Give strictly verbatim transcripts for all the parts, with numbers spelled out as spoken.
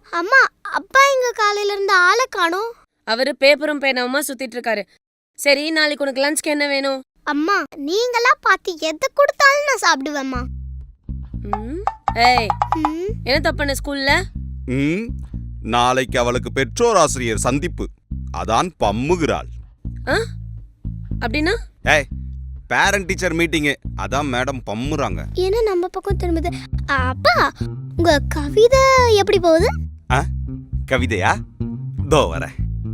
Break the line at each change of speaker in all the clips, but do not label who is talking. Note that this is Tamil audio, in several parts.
அம்மா, அப்பா எங்க காலையில இருந்து ஆளை காணோம்.
அவரு பேப்பரும் பேனாவுமா சுத்திட்டு இருக்காரு. சரி, நாளைக்கு உனக்கு லஞ்ச்க்கு என்ன வேணும்?
அம்மா, நீங்களா பார்த்து எதை கொடுத்தாலும் நான் சாப்பிடுவேம்மா.
ம், ஏய்,
ம்,
என்ன தப்பான ஸ்கூல்ல?
ம் நாளைக்கு அவளுக்கு பெற்றோர் ஆசிரியர் சந்திப்பு, அதான் பம்முகிறாள்.
ஆ? அப்படின்னா?
ஏய், பேரண்ட் டீச்சர் மீட்டிங்கு, அதான் மேடம் பம்முறாங்க.
என்ன நம்ம பக்கம் திரும்புது? அப்பா, உங்க கவிதை எப்படி போகுது?
ஆ, கவிதையா? தோ வரேன்.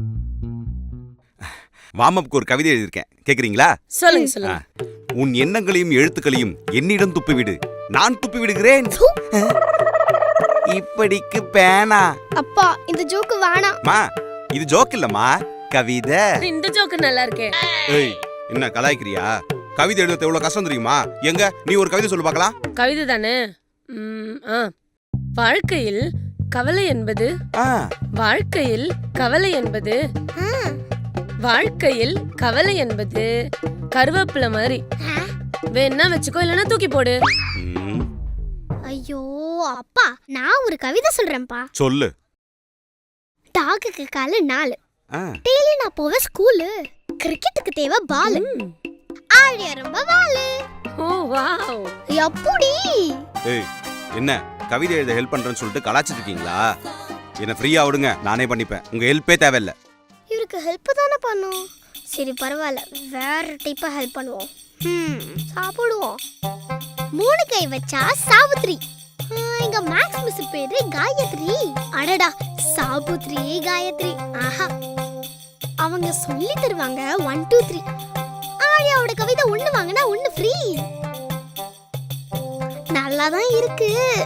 வாமப்புக்கு ஒரு கவிதை எழுதியிருக்கேன், கேக்குறீங்களா?
சொல்லுங்க சொல்லுங்க.
உன் எண்ணங்களையும் எழுத்துக்களையும் என்னிடம் துப்பிவிடு, நான் துப்பி விடுகிறேன். இப்படிக்கு பேனா.
அப்பா, இந்த ஜோக்கு வேணாம்.
மா, இது ஜோக் இல்லம்மா, கவிதை.
இந்த ஜோக்கு நல்லா இருக்கே.
ஏய், என்ன கலாய்க்கிறியா? கவிதை எழுத எவ்வளவு கஷ்டம் தெரியுமா? எங்க நீ ஒரு கவிதை சொல்லு பார்க்கலாம்.
கவிதை தானே? ம், ஆ. வாழ்க்கையில் கவலை என்பது
ஆ,
வாழ்க்கையில் கவலை என்பது
ஆ,
வாழ்க்கையில் கவலை என்பது கருவேப்பிலை மாதிரி. வேணா வச்சுக்கோ, இல்லைன்னா தூக்கி போடு.
ம்,
ஐயோ அப்பா, நான் ஒரு கவிதை சொல்றேன்ப்பா.
சொல்லு.
டாகுக்கு காலு நாலு,
ஆ,
டெய்லி நான் போவேன் ஸ்கூலு. கிரிக்கெட்டுக்கு தேவை பாலு,
ம்.
ஆழிய ரொம்ப வாலு.
ஓ வாவ்.
எப்படி?
ஏய், என்ன கவிதை எழுத ஹெல்ப் பண்றேன்னு சொல்லிட்டு கலாச்சிட்டு இருக்கீங்களா? என்ன ஃப்ரீயா விடுங்க, நானே பண்ணிப்பேன். உங்க ஹெல்ப்பே தேவையில்லை.
இவருக்கு ஹெல்ப் தானே பண்ணும். சரி பரவாயில்ல, வேற டைப்பா ஹெல்ப் பண்ணுவோம். ம், சாப்பிடுவோம். மூணு கை வச்சா சாவித்ரி. ஆ, எங்க மேக்ஸ் மிஸ் பேரு காயத்ரி. அடடா, சாபுத்ரி காயத்ரி. ஆஹா, அவங்க சொல்லி தருவாங்க ஒன் டூ த்ரீ. ஆழியாவோட கவிதை ஒண்ணு வாங்கினா ஒண்ணு ஃப்ரீ. நல்லாதான் இருக்கு.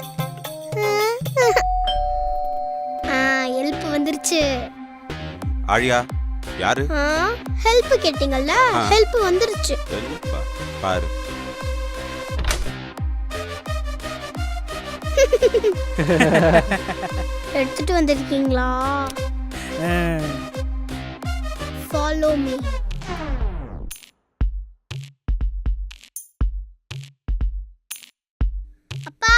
ஹெல்ப் வந்துருச்சு.
ஆழியா யாரு?
ஹெல்ப் கேட்டீங்கல்ல, ஹெல்ப் வந்துருச்சு.
ஹெல்ப்பா? பாரு.
எடுத்துட்டு வந்திருக்கீங்களா? Follow me. அப்பா,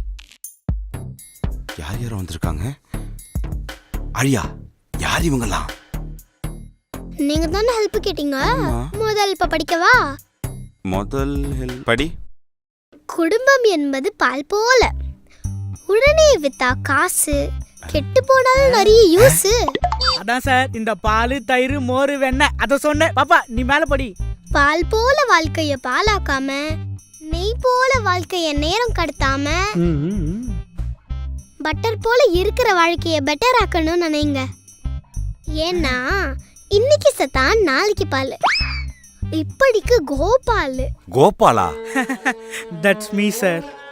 யார் யாரும் வந்திருக்காங்க? ஆழியா, யார் இவங்கலாம்?
நீங்க தானே ஹெல்ப் கேட்டீங்க.
ஆமா.
முதல் இப்ப படிக்கவா?
முதல் ஹெல்ப் படி.
குடும்பம் என்பது பால் போல, உடனே வித்தா காசு, கெட்டு போனாலும் நிறைய யூஸ்.
அதான் சார், இந்த பால் தயிர் மோர் வெண்ணெய் அத சொன்னேன். பாப்பா நீ மேல படி.
பால் போல வாழ்க்கைய பாலாக்காம, நெய் போல வாழ்க்கைய நேரம் கடத்தாம, பட்டர் போல இருக்கிற வாழ்க்கைய பெட்டர் ஆக்கணும்னு நினைங்க. ஏன்னா இன்னைக்கு சத்தான் நாளைக்கு பால். இப்படிக்கு கோபால்.
கோபாலா?
That's me sir.